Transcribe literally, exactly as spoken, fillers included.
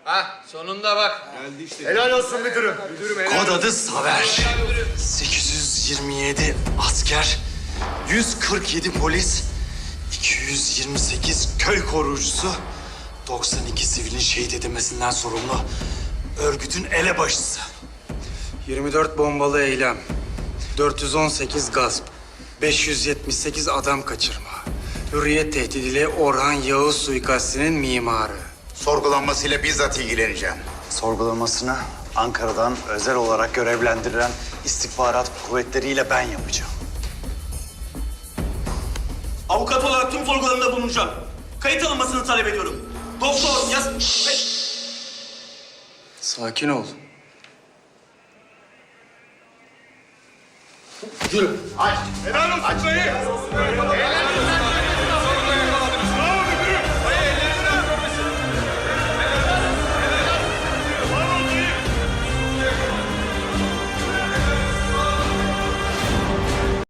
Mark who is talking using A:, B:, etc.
A: Ha sonunda bak.
B: Geldi işte.
C: Helal olsun müdürüm.
B: Müdürüm helal.
D: Kod adı Saver. sekiz yüz yirmi yedi asker, yüz kırk yedi polis, iki yüz yirmi sekiz köy koruyucusu, doksan iki sivilin şehit edilmesinden sorumlu örgütün elebaşısı.
E: yirmi dört bombalı eylem, dört yüz on sekiz gasp, beş yüz yetmiş sekiz adam kaçırma. Hürriyet tehdidiyle Orhan Yağız suikastinin mimarı.
C: Sorgulanmasıyla bizzat ilgileneceğim.
D: Sorgulamasını Ankara'dan özel olarak görevlendirilen istihbarat kuvvetleriyle ben yapacağım.
F: Avukat olarak tüm sorgularında bulunacağım. Kayıt alınmasını talep ediyorum. Doktor yaz...
E: Sakin ol.
C: Helal olsun dayı. Helal